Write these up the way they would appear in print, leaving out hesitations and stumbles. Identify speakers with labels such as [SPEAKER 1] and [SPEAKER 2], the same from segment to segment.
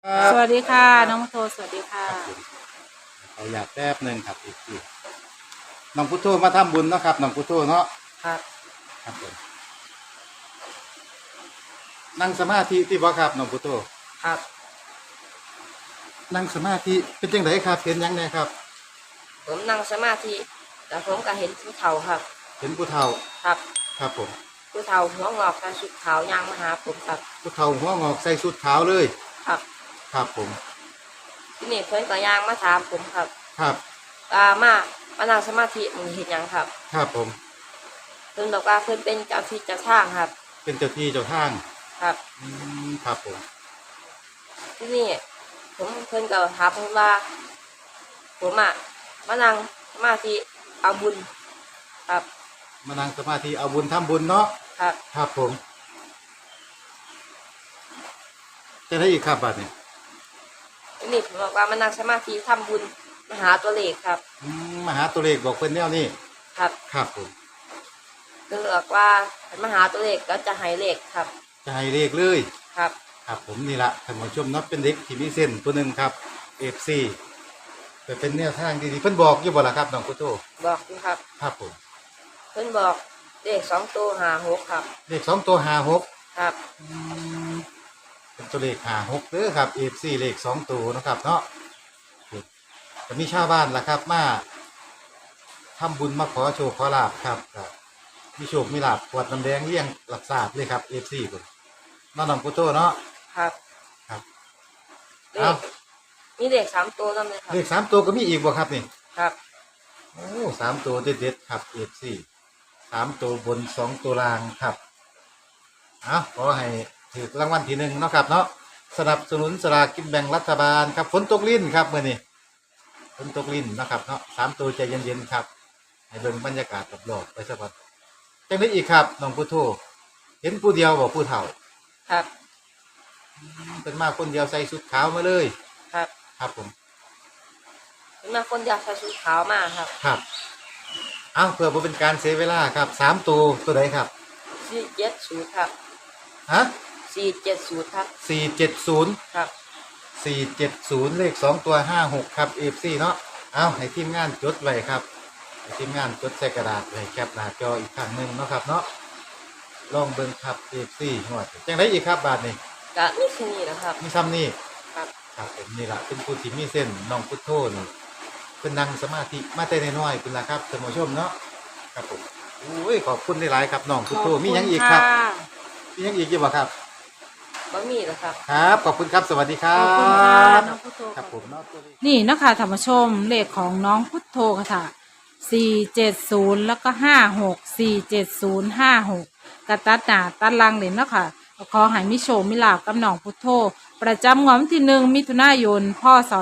[SPEAKER 1] สวัสดีค่ะน้องโทสวัสดีค่ะ
[SPEAKER 2] เขาอยากแป๊บหนึ่งครับอีกทีน้องพุทโธมาทำบุญเนาะครับน้องพุทโธเนาะ
[SPEAKER 1] ครับ
[SPEAKER 2] ครับผมนั่งสมาธิที่บ่ครับน้องพุทโธ
[SPEAKER 1] ครับ
[SPEAKER 2] นั่งสมาธิเป็นจังไดครับเห็นยังไงครับ
[SPEAKER 1] ผมนั่งสมาธิแล้วผมก็เห็นผู้เฒ่าครับ
[SPEAKER 2] เห็นผู้เฒ่า
[SPEAKER 1] ครับ
[SPEAKER 2] ครับผม
[SPEAKER 1] ผู้เฒ่าหัวงอกใส่ชุดขาวยางมาหาผมครับ
[SPEAKER 2] ผู้เฒ่าหัวงอกใส่ชุดขาวเลย
[SPEAKER 1] ครับ
[SPEAKER 2] ครับผม
[SPEAKER 1] ที่นี่เพิ่นก็ยางมาถามผมครับ
[SPEAKER 2] ครับ
[SPEAKER 1] มานั่งสมาธิมึงเห็นยังครับ
[SPEAKER 2] ครับผม
[SPEAKER 1] เพิ่นบอกว่าเพิ่นเป็นเจ้าที่เจ้าทางครับ
[SPEAKER 2] เป็นเจ้าที่เจ้าทาง
[SPEAKER 1] ครับ
[SPEAKER 2] ครับผม
[SPEAKER 1] ที่นี่เพิ่นก็ถามผมว่าผมมานั่งสมาธิเอาบุญครับ
[SPEAKER 2] มานั่งสมาธิเอาบุญทำบุญเนาะ
[SPEAKER 1] ครับ
[SPEAKER 2] ครับผมจะได้อีกครับบัดนี้
[SPEAKER 1] ที่นี่ผมบอกว่ามานั่งสมาธิทำบุญมาหาตัวเลขครับ
[SPEAKER 2] มาหาตัวเลขบอกเป็นแนวนี้
[SPEAKER 1] ครับ
[SPEAKER 2] ครับผม
[SPEAKER 1] คือบอกว่ามาหาตัวเลขก็จะให้เลขครับ
[SPEAKER 2] จะให้เลขเลย
[SPEAKER 1] ครับ
[SPEAKER 2] ครับผมนี่ละท่านผู้ชมเนาะเป็นเด็กที่มีเส้นตัวหนึ่งครับ FC แต่เป็นแนวทางดีๆเพิ่นบอกอยู่บ่ล่ะครับน้องกุโต
[SPEAKER 1] บอกอยู่ครับ
[SPEAKER 2] ครับผม
[SPEAKER 1] เพิ่นบอกเลข2 ตัว56ครับ
[SPEAKER 2] เลข2 ตัว56
[SPEAKER 1] ครับ
[SPEAKER 2] เป็นตัวเลข56เด้อครับ FC เลข2 ตัวนะครับเนาะจะมีชาวบ้านล่ะครับมาทำบุญมาขอโชคขอลาภครับมีโชคมีลาภขวดน้ำแดงเลี้ยงหลักศาสตร์เลยครับ FC พุ่นน้องกุโตเนาะ
[SPEAKER 1] ครับ
[SPEAKER 2] ครับ
[SPEAKER 1] มีเลข3 ตัวนั่นเลยครับ
[SPEAKER 2] เลข3 ตัวก็มีอีกบ่ครับนี่
[SPEAKER 1] ครับ
[SPEAKER 2] โอ้3 ตัวเด็ดๆครับ FC 3 ตัวบน2 ตัวล่างครับขอให้ถูกรางวัลที่1เนาะครับเนาะสนับสนุนสลากกินแบ่งรัฐบาลครับฝนตกลิ้นครับมื้อนี้ฝนตกลิ้นนะครับเนาะ3 ตัวใจเย็นๆครับให้เบิ่งบรรยากาศรอบๆไปซะก่อนจังได๋อีกครับน้องพุทโธเห็นผู้เดียวบ่ผู้เฒ่า
[SPEAKER 1] ครับ
[SPEAKER 2] เป็นมาคนเดียวใส่ชุดขาวมาเลย
[SPEAKER 1] ครับ
[SPEAKER 2] ครับผม
[SPEAKER 1] เป็นมาคนเดียวใส่ชุดขาวมาครับ
[SPEAKER 2] ครับเพื่อบ่เป็นการเสียเวลาครับ3 ตัวใดครับ
[SPEAKER 1] 470ครับ
[SPEAKER 2] ฮะ
[SPEAKER 1] 470ครับ
[SPEAKER 2] 470
[SPEAKER 1] ครับ
[SPEAKER 2] 470เลข2 ตัว56ครับ FC เนาะให้ทีมงานจดไว้ครับให้ทีมงานจดใส่กระดาษไว้แคปหน้าจออีกครั้งนึงเนาะครับเนาะลองเบิ่งครับ FC งวดจังได๋อีกครับบาดนี้
[SPEAKER 1] ก็มีแค่นี้นะครับ
[SPEAKER 2] มีซ้ำนี่
[SPEAKER 1] ครับ
[SPEAKER 2] ครับผมนี่ล่ะเป็นผู้ที่มีเส้นน้องพุทโธนี่เพิ่นนั่งสมาธิมาแต่น้อยๆเพิ่นล่ะครับท่านผู้ชมเนาะครับผมโอ้ยขอบคุณหลายๆครับน้องพุทโธมีหยังอีกครับมีหยังอีกอยู่บ่ครับ
[SPEAKER 1] บ่มีแล้วครับ
[SPEAKER 2] ครับขอบคุณครับสวัสดีครั
[SPEAKER 1] บขอบคุณค่ะน้องพุทโธ
[SPEAKER 2] ครับผมเนาะ
[SPEAKER 3] นี่นะคะท่านผู้ชมเลขของน้องพุทโธค่ะ470แล้วก็56 470 56กระตัดหน้าตัดหลังเลยเนาะค่ะขอให้มิโชคมิลาภกับน้องพุทโธประจำงวดวันที่1 มิถุนายน พ.ศ.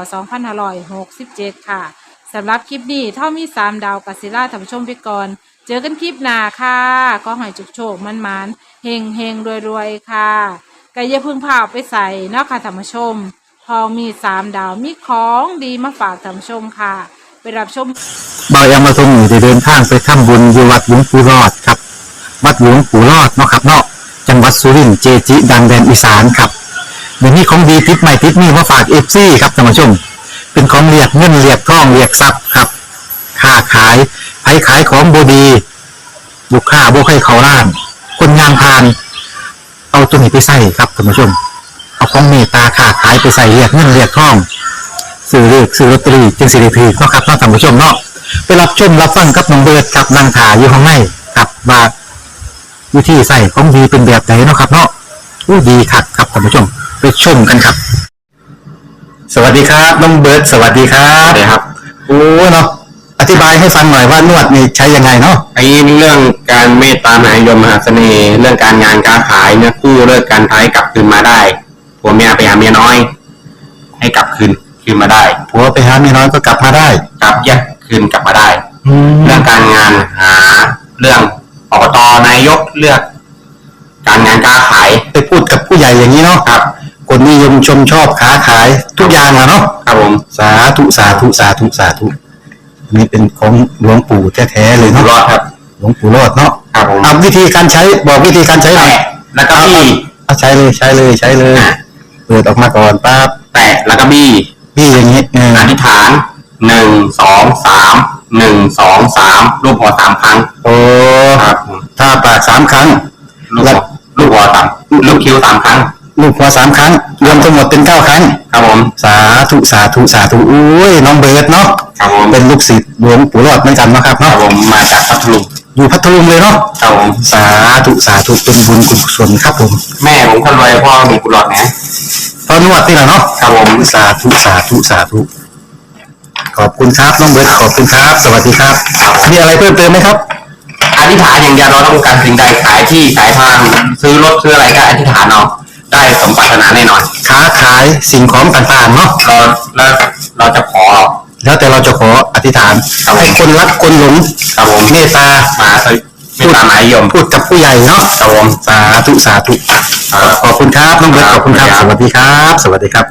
[SPEAKER 3] 2567ค่ะสำหรับคลิปนี้เท่ามี3 ดาวกัสซิล่าท่านผู้ชมไปก่อนเจอกันคลิปหน้าค่ะก็ให้โชคมันเฮงรวยค่ะก็อย่าพึ่งพาไปใส่เนาะค่ะท่านผู้ชมพอมี3 ดาวมีของดีมาฝากท่านผู้ชมค่ะไปรับชม
[SPEAKER 4] บายามาทรงอยู่ได้เดินทางไปทำบุญอยู่วัดหลวงปู่รอดครับวัดหลวงปู่รอดเนาะครับเนาะจังหวัดสุรินทร์เจจิดังแดนอีสานครับเดี๋ยวนี้ของดีติดใหม่ติดนี่มาฝากFCครับท่านผู้ชมเป็นของเรียกเงินเรียกทองเรียกทรัพย์ครับค้าขายไผขายของบดีลูกค้าบ่ให้เขาร้านคนงานพานเอาตัวนี้ไปใส่ครับท่านผู้ชมเอาของเมตตาค้าขายไปใส่เรียกเงินเรียกทองซื้อเลขซื้อลอตเตอรี่จึงสิริพีเนาะครับท่านผู้ชมเนาะไปรับชมรับฟังกับน้องเบิร์ดกับนางถาอยู่ข้างในกับว่าวิธีใส่ของดีเป็นแบบไหนเนาะครับเนาะดีครับครับท่านผู้ชมไปชมกันครับสวัสดีครับน้องเบิร์ดสวัสดีครับสวัสดีครับโอ้เนาะอธิบายให้ฟังหน่อยว่านวดนี่ใช้ยังไงเนาะ
[SPEAKER 5] ไอ้เรื่องการเมตตามหานิยมมหาเสน่ห์เรื่องการงานการขายเนี่ยคู่เลิกการท้ายกลับคืนมาได้ผัวเมียไปหาเมียน้อยให้กลับคืนมาได้
[SPEAKER 4] ผัวไปหาเมียน้อยก็กลับมาได้
[SPEAKER 5] กลับแยกคืนกลับมาได้เรื่องการงานหาเรื่องอบตนายกเลือก การงานการขาย
[SPEAKER 4] ไปพูดกับผู้ใหญ่อย่างนี้เนาะ
[SPEAKER 5] ครับ
[SPEAKER 4] คนนิยมชมชอบค้าขายทุกอย่างอะเนาะ
[SPEAKER 5] ครับผม
[SPEAKER 4] สาธุนี่เป็นของหลวงปู่แท้ๆเลยเนาะ
[SPEAKER 5] รอดครับ
[SPEAKER 4] หลวงปู่รอดเนาะ
[SPEAKER 5] ครับผม
[SPEAKER 4] วิธีการใช้บอกวิธีการใช้หน่อย
[SPEAKER 5] แล้วก็พี่
[SPEAKER 4] ใช้เลยเปิดออกมาก่อนปั๊บ
[SPEAKER 5] แตแล้วก็บี้
[SPEAKER 4] อย่างนี้
[SPEAKER 5] อธิษฐาน1 2 3 1 2 3รูปหัวสามครั้ง
[SPEAKER 4] โอ้
[SPEAKER 5] ครับ
[SPEAKER 4] ถ้าปากสามครั้ง
[SPEAKER 5] ลูกหัวสามลูกคิ้วสามครั้ง
[SPEAKER 4] ลูกหัวสามครั้งรวมทั้งหมดเป็น9 ครั้ง
[SPEAKER 5] ครับผม
[SPEAKER 4] สาธุอุ้ยน้องเบิร์ดเนาะ
[SPEAKER 5] ครับผม
[SPEAKER 4] เป็นลูกศิษย์หลวงปู่รอดเหมือนกันนะครับ
[SPEAKER 5] ครั
[SPEAKER 4] เนาะ
[SPEAKER 5] บผมมาจากพัทลุง
[SPEAKER 4] อยู่พัทลุงเลยเนาะ
[SPEAKER 5] ครับผม
[SPEAKER 4] สาธุเป็นบุญกุศลครับผม
[SPEAKER 5] แม่ผมคนรวยพ่อหลวงปู่รอดนะ
[SPEAKER 4] ตอนนวดนี่แหละเนาะ
[SPEAKER 5] ครับผม
[SPEAKER 4] สาธุขอบคุณครับน้องเบิร์ดขอบคุณครับสวัสดีครับมีอะไรเพิ่มเติมไหมครับ
[SPEAKER 5] อธิษฐานอย่างเดียวเราต้องการสิ่งใดขายที่ขายทางซื้อรถซื้ออะไรก็อธิษฐานเอาได้สมปรารถนาแน่นอน
[SPEAKER 4] ค้าขายสิ่งของต่างๆเนาะ
[SPEAKER 5] เราจะขอ
[SPEAKER 4] แล้วแต่เราจะขออธิษฐานให้คนรักคนหลง
[SPEAKER 5] ครับผม
[SPEAKER 4] เมตตา
[SPEAKER 5] ไม่ตามหมายยม
[SPEAKER 4] พูดกับผู้ใหญ่เนาะ
[SPEAKER 5] ครับผม
[SPEAKER 4] สาธุขอบคุณครับน้องเบิร์ตขอบคุณครับสวัสดีครับ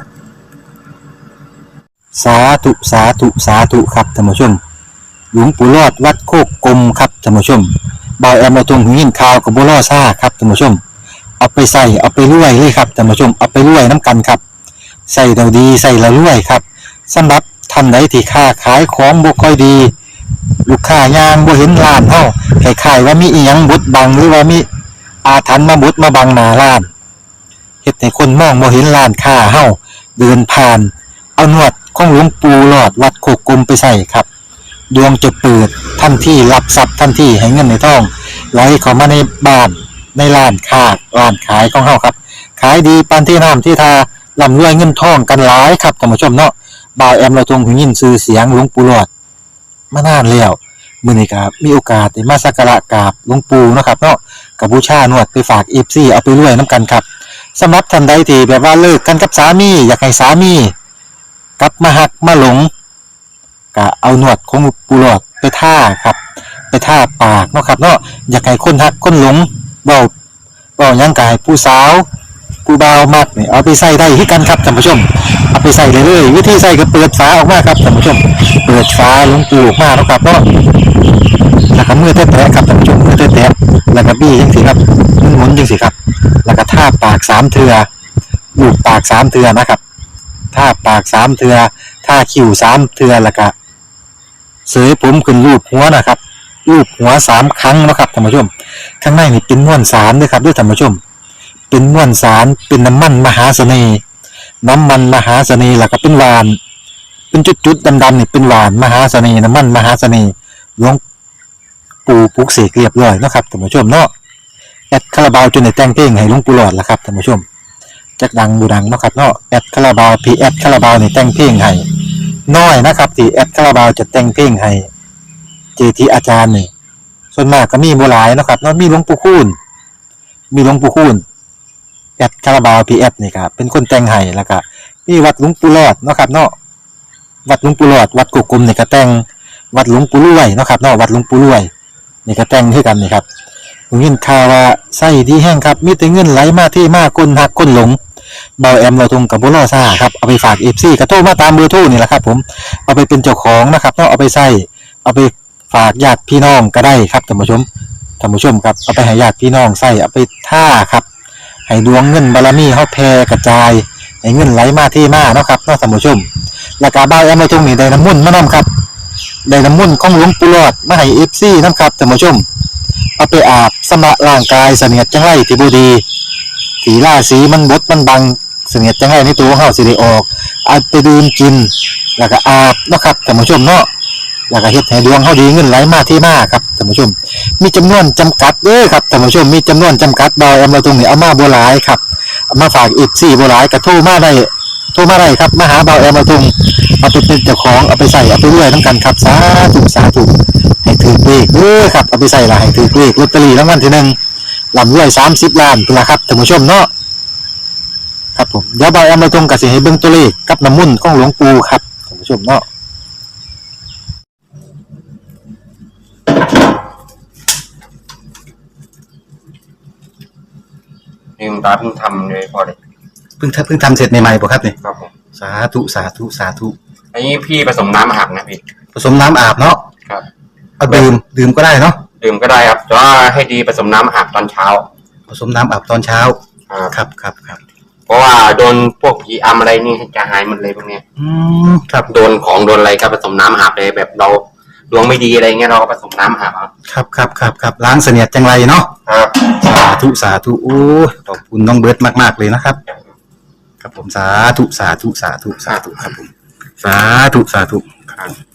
[SPEAKER 4] สาธุครับท่านผู้ชมหลวงปู่รอดวัดโคกกลมครับท่านผู้ชมบ่าวแอมมาตรงหินข่าวกับบัวล่อซ่าครับท่านผู้ชมเอาไปใส่เอาไปรวยเลยครับท่านผู้ชมเอาไปรวยน้ำกันครับใส่เราดีใส่เรารวยครับสำหรับท่านใดที่ค้าขายของบ่ค่อยดีลูกค้ายางบ่เห็นร้านเฮาคล้ายๆว่ามีอีหยังบดบังหรือว่ามีอาถรรพ์มาบดมาบังหน้าร้านเฮ็ดให้คนมองบ่เห็นร้านค้าเฮาเดินผ่านเอานวดของหลวงปู่หลอดวัดโคกกลมไปใส่ครับดวงจะเปิดทันทีรับทรัพย์ทันทีให้เงินในท้องไหลเข้ามาในบ้านในร้านค้าร้านขายของเฮาครับขายดีปานที่น้ำที่ทาร่ำรวยเงินทองกันหลายครับท่านผู้ชมเนาะบ่าวแอมเราทรงหูยินชื่อเสียงหลวงปู่หลอดมานานแล้วมื้อนี้ก็มีโอกาสได้มาสักการะกราบหลวงปู่เนาะครับเนาะก็บูชานวดไปฝาก FC เอาไปรวยนํกันครับสำหรับท่านใดที่แบบว่าเลิกกันกับสามีอยากให้สามีกลับมาหักมาหลงก็เอาหนวดของปูหลอดไปท่าครับไปท่าปากเนาะครับเนาะอยากให้คนหักคนหลงเบายังกายผู้สาวผู้บ่าวมักนี่เอาไปใส่ได้ที่กันครับท่านผู้ชมเอาไปใส่เลยวิธีใส่ก็เปิดฝาออกมาครับท่านผู้ชมเปิดฝาหลวงปูออกมาเนาะครับเนาะแล้วก็มือแตะๆครับท่านผู้ชมมือแตะๆแล้วก็บี้จังสิครับหมุนจังสิครับแล้วก็ท่าปาก3 เทื่อลูบปาก3 เทื่อนะครับท่าปาก3 เทื่อท่าคิ้ว3 เทื่อแล้วก็เสยผมขึ้นรูปหัวนะครับรูปหัว3 ครั้งนะครับท่านผู้ชมข้างในนี่เป็นม้วนสารด้วยครับด้วยท่านผู้ชมเป็นม้วนสารเป็นน้ำมันมหาเสน่ห์แล้วก็เป็นหวานเป็นจุดๆดำๆนี่เป็นหวานมหาเสน่ห์น้ำมันมหาเสน่ห์หลวงปู่ปลุกเสกเรียบร้อยนะครับท่านผู้ชมเนาะแอดคาราบาวจนได้แต่งเพลงให้หลวงปู่หลอดแล้วครับท่านผู้ชมจักดังบูดังเนาะครับเนาะแอดคาราบาวพีแอดคาราบาวนี่แต่งเพลงให้น้อยนะครับที่แอดคาราบาวจะแต่งเพลงให้เจทีอาจารย์นี่ส่วนมากก็มีบ่หลายเนาะครับเนาะมีหลวงปู่คูณแอดคาราบาวพีแอดนี่ครับเป็นคนแต่งให้แล้วก็มีวัดหลวงปู่หลอดเนาะครับเนาะวัดหลวงปู่หลอดวัดกุกกุมนี่ก็แต่งวัดหลวงปู่รวยเนาะครับเนาะวัดหลวงปู่รวยนี่ก็แต่งให้กันนี่ครับผมยินข่าวว่าไส้ดีแห้งครับมีแต่เงินไหลมาที่มาคนหักคนหลงเบาแอมเราทงกับบุรอซ่าครับเอาไปฝาก FC กระโทรมาตามเบอร์โทรนี่แหละครับผมเอาไปเป็นเจ้าของนะครับเอาไปใส่เอาไปฝากญาติพี่น้องก็ได้ครับท่านผู้ชมครับเอาไปให้ญาติพี่น้องใส่เอาไปท่าครับให้ดวงเงินบารมีเฮาแผ่กระจายให้เงินไหลมาที่มาเนาะครับเนาะท่านผู้ชมแล้วก็เบาแอมเราทงนี่ได้น้ำมนต์มานํครับได้น้ำมนต์ของหลวงปู่หลอดมาให้ FC นํครับท่านผู้ชมเอาไปอาบสำระร่างกายเสนียดจังไรที่บ่ดีสีล่าสีมันบดมันบังเสนียดจังไรในตัวเฮาสิได้ออกเอาไปดื่มกินแล้วก็อาบเนาะครับท่านผู้ชมเนาะแล้วก็เฮ็ดให้ดวงเฮาดีเงินไหลมาที่มาครับท่านผู้ชมมีจำนวนจำกัดเด้อครับท่านผู้ชมมีจำนวนจำกัดบ่เอามาตรงนี้เอามาบ่หลายครับเอามาฝากอีก4บ่หลายก็โทรมาได้ครับมาหาบ่าวแอมมาตรงเอาไปเป็นเจ้าของเอาไปใส่เอาไปรวยนํกันครับสาธุให้ถือเลขเด้อครับเอาไปใส่ละให้ถือเลขลอตเตอรี่รางวัลที่1ลำรวย30 ล้านพุ่นล่ะครับท่านผู้ชมเนาะครับผมเดี๋ยวบ่าวแอมมาตรงก็สิให้เบิ่งตัวเลขกับน้ำมนต์ของหลวงปู่ครับท่านผู้ชมเนาะ
[SPEAKER 5] นี่คุณตาเพิ่งทำเลยพอเลย
[SPEAKER 4] เพิ่งทำเสร็จใหม่ๆป่ะครับเนี่ย
[SPEAKER 5] ครับผม
[SPEAKER 4] สาธุ
[SPEAKER 5] อันนี้พี่ผสมน้ำอาบนะพี่
[SPEAKER 4] ผสมน้ำอาบเนาะ
[SPEAKER 5] ครับ
[SPEAKER 4] เอาดื่มก็ได้เนาะ
[SPEAKER 5] ดื่มก็ได้ครับแต่ว่าให้ดีผสมน้ำอาบตอนเช้า
[SPEAKER 4] ผสมน้ำอาบตอนเช้าครับ
[SPEAKER 5] ผเพราะว่าโดนพวกผีอำอะไรนี่จะหายหมดเลยพวกเนี้ย
[SPEAKER 4] ครับ
[SPEAKER 5] โดนของโดนอะไรก็ผสมน้ำอาบเลยแบบเราดวงไม่ดีอะไรเงี้ยเราก็ผสมน้ำอาบเอา
[SPEAKER 4] ครับล้างเสนียดจังไรเนาะ
[SPEAKER 5] ครับ
[SPEAKER 4] สาธุโอ้ยขอบคุณน้องเบิร์ตมากๆเลยนะครับ ครับผมสาธุครับผมสาธุครับผมสาธุ